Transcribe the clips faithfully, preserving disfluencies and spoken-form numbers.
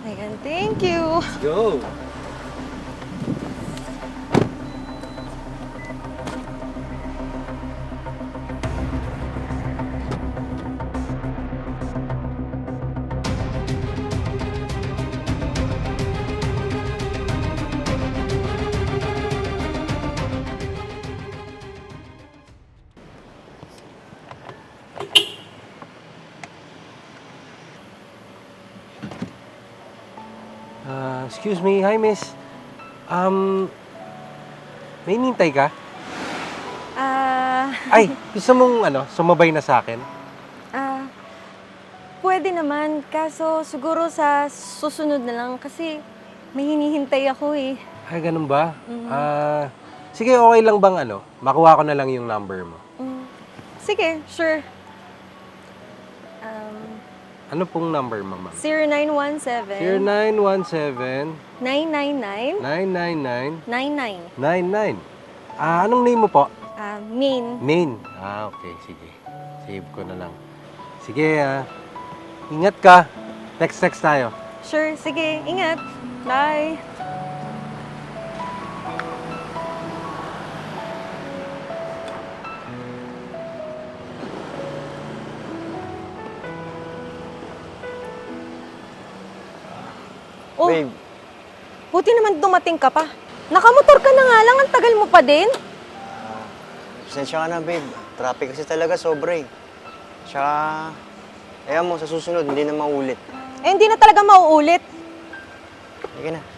Ayan, thank you. Let's go! Ah, excuse me. Hi, miss. Um, may hinihintay ka? Ah, Ay, gusto mong ano, sumabay na sa akin? ah, pwede naman. Kaso siguro sa susunod na lang kasi may hinihintay ako eh. Ay, ganun ba? Mhm. Ah, sige, okay lang bang ano, makuha ko na lang yung number mo. Mm. Sige, sure. Um, Ano pong number mo, ma'am? zero nine one seven, zero nine one seven, nine nine nine, nine nine nine, nine nine. nine nine. Ah, anong name mo po? Ah, main. Main. Ah, okay. Sige. Save ko na lang. Sige, ah. Ingat ka. Text, text tayo. Sure, sige. Ingat. Bye. Oh, Babe, buti naman dumating ka pa. Nakamotor ka na nga lang, ang tagal mo pa din. pasensya ka na, babe. Traffic kasi talaga sobra eh. Tsaka, ayaw mo, sa susunod, hindi na maulit. Eh, hindi na talaga mauulit. Sige na.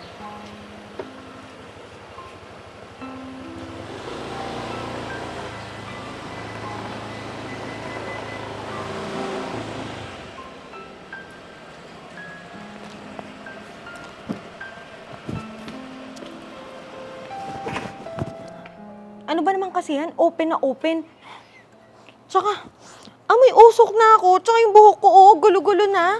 Ano ba naman kasi yan? Open na open. Tsaka, amoy usok na ako. Tsaka yung buhok ko, oh, gulo-gulo na.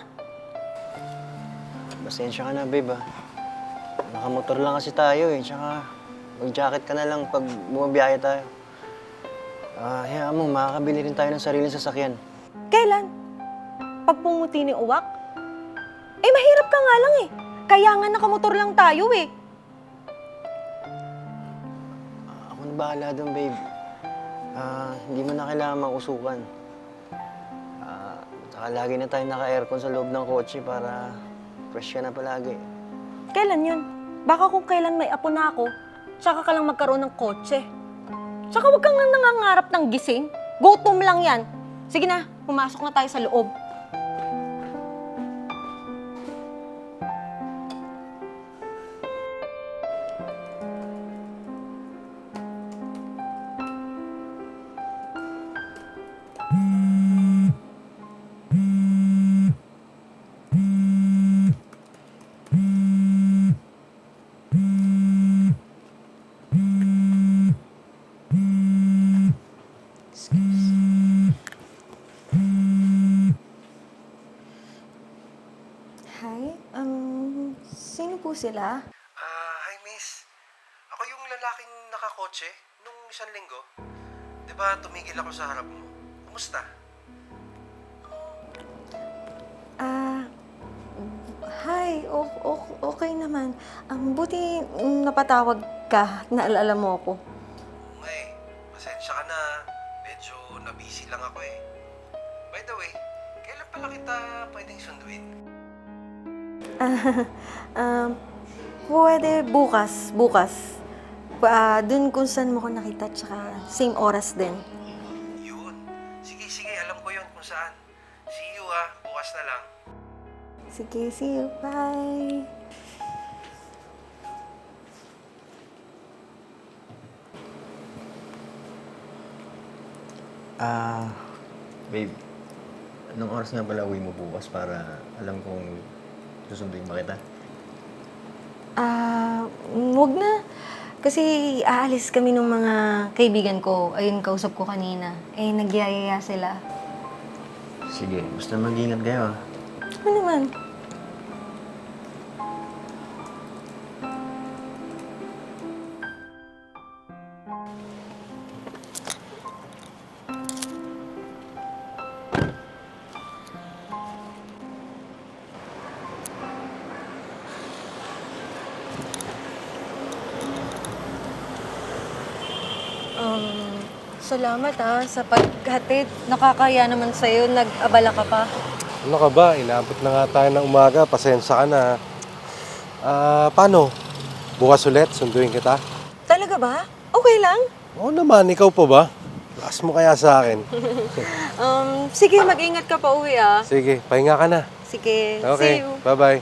Pasensya ka na, babe ah. Nakamotor lang kasi tayo eh. Tsaka, mag-jacket ka na lang pag bumabiyahe tayo. Ah, hayaan mo, makakabili rin tayo ng sariling sasakyan. Kailan? Pag pumuti ni Uwak? Eh, mahirap ka nga lang eh. Kaya nga nakamotor lang tayo eh. Ako na bahala doon, babe. Ah, hindi mo na kailangan mausukan. Ah, saka lagi na tayo naka-aircon sa loob ng kotse para fresh ka na palagi. Kailan yun? Baka kung kailan may apo na ako, tsaka ka lang magkaroon ng kotse. Tsaka huwag kang nangangarap ng gising. Gutom lang yan. Sige na, pumasok na tayo sa loob. Hi, um, sino po sila? Ah, hi, miss. Ako yung lalaking nakakotse nung isang linggo. Di ba tumigil ako sa harap mo? Kumusta? Ah, hi, o- o- okay naman. Um, buti mm, napatawag ka, naalala mo ako. Oo nga eh. Pasensya ka na. Medyo na-busy lang ako eh. By the way, kailan pala kita pwedeng sunduin? Ah, um, pwede bukas, bukas. Ah, dun kung saan mo ko nakita, tsaka same oras din. Yun. Sige, sige. Alam ko yun kung saan. See you ah. Bukas na lang. Sige, see you. Bye. Ah, babe. Anong oras nga pala uwi mo bukas para alam kong susunduin ba kita? Ah, wag na. Kasi aalis kami ng mga kaibigan ko. Ayun, kausap ko kanina. Eh, nagyayaya sila. Sige, basta mag-ingat kayo ah. Ano naman? Um, salamat ha sa paghatid. Nakakaya naman sa'yo, nag-abala ka pa. Ano ka ba? Inaabot na nga tayo ng umaga. Pasensya ka na. Ah, paano? Bukas ulit, sunduin kita. Talaga ba? Okay lang? Oo naman, ikaw pa ba? Lakas mo kaya sa akin. Um, sige, mag-ingat ka pa uwi ah. Sige, pahinga ka na. Sige, see Okay, you. bye-bye.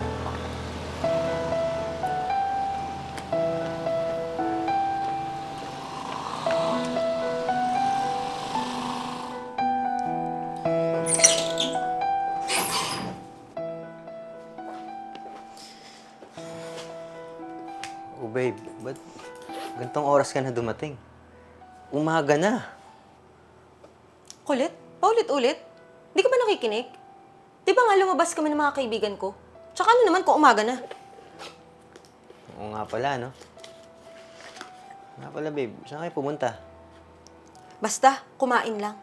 Oh, babe, ba't gantong oras ka na dumating? Umaga na. Kulit? Paulit-ulit? Hindi ka ba nakikinig? Di ba nga lumabas kami ng mga kaibigan ko? Tsaka ano naman kung umaga na? Oo nga pala, no? Nga pala, babe. Saan kayo pumunta? Basta, kumain lang.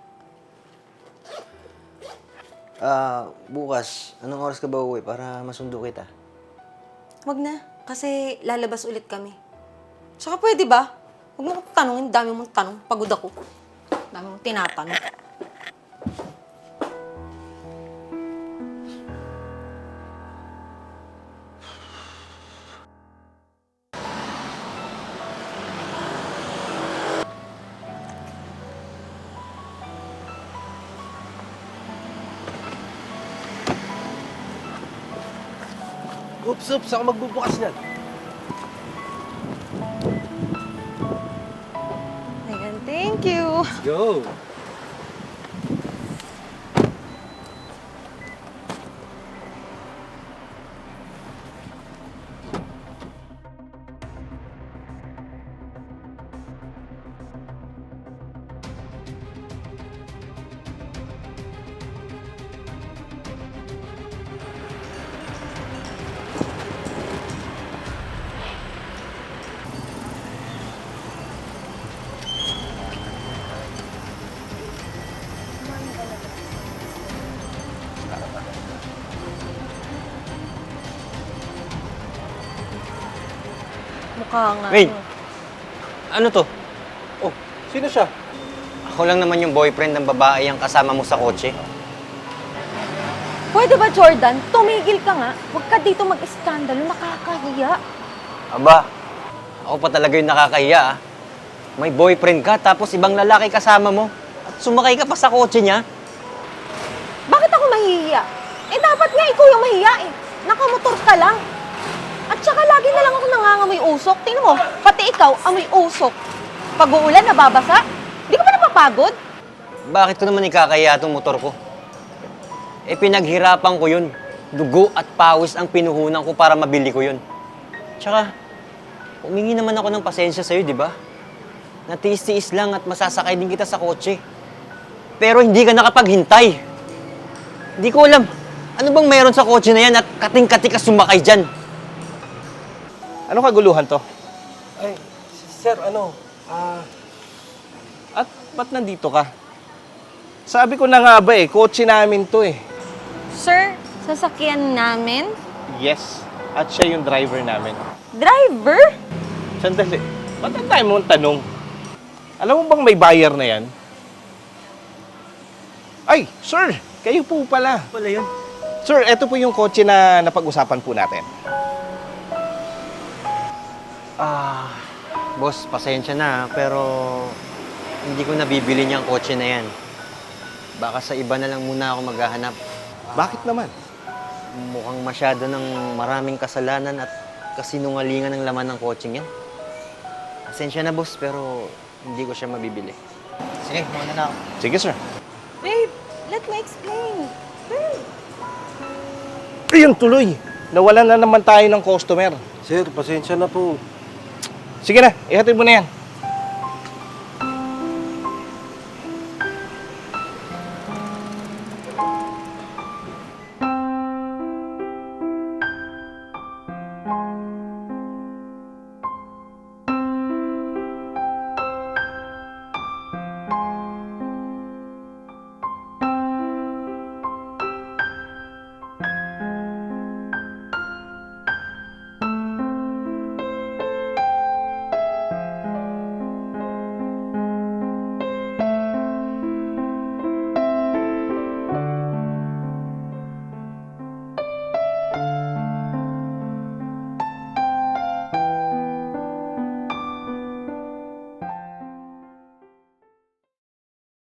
Ah, bukas, anong oras ka ba uwi para masundo kita? Wag na, kasi lalabas ulit kami. Tsaka pwede ba? Huwag mo akong tanongin, dami mong tanong. Pagod ako. Dami mong tinatanong. Oops, oops, ako magbubukas niyan. Ayan, thank you. Let's go! Mukha nga. Wait! Ano to? Oh, sino siya? Ako lang naman yung boyfriend ng babae ang kasama mo sa kotse. Pwede ba, Jordan? Tumigil ka nga. Huwag ka dito mag-iskandalo. Nakakahiya. Aba, ako pa talaga yung nakakahiya, ah. May boyfriend ka, tapos ibang lalaki kasama mo. At sumakay ka pa sa kotse niya. Bakit ako mahihiya? Eh, dapat nga ikaw yung mahiya eh. Nakamotor ka lang. At saka lagi na lang ako nangangamoy usok. Tingnan mo, pati ikaw, amoy usok. Pag uulan, nababasa. Di ka ba napapagod? Bakit ko naman ikakahiya itong motor ko? Eh, pinaghirapan ko yun. Dugo at pawis ang pinuhunan ko para mabili ko yun. Tsaka, humingi naman ako ng pasensya sa'yo, di ba? Natiis-tiis lang at masasakay din kita sa kotse. Pero hindi ka nakapaghintay. Hindi ko alam, ano bang meron sa kotse na yan at kating-kati ka sumakay dyan? Anong kaguluhan to? Ay, sir, ano? Ah, At ba't nandito ka? Sabi ko na nga ba eh, kotse namin to eh. Sir, sasakyan namin? Yes, at siya yung driver namin. Driver? Sandali, ba't ang dami mong tanong? Alam mo bang may buyer na yan? Ay, sir, kayo po pala. Wala yun. Sir, eto po yung kotse na napag-usapan po natin. Ah, boss, pasensya na, pero hindi ko nabibili niyang kotse na yan. Baka sa iba na lang muna ako maghahanap. Bakit naman? Mukhang masyado ng maraming kasalanan at kasinungalingan ng laman ng kotse niya. Pasensya na, boss, pero hindi ko siya mabibili. Sige, muna na ako. Sige, sir. Babe, let me explain. Babe. Ayun, tuloy. Nawalan na naman tayo ng customer. sir, pasensya na po. Sige na, ihatid mo na yan.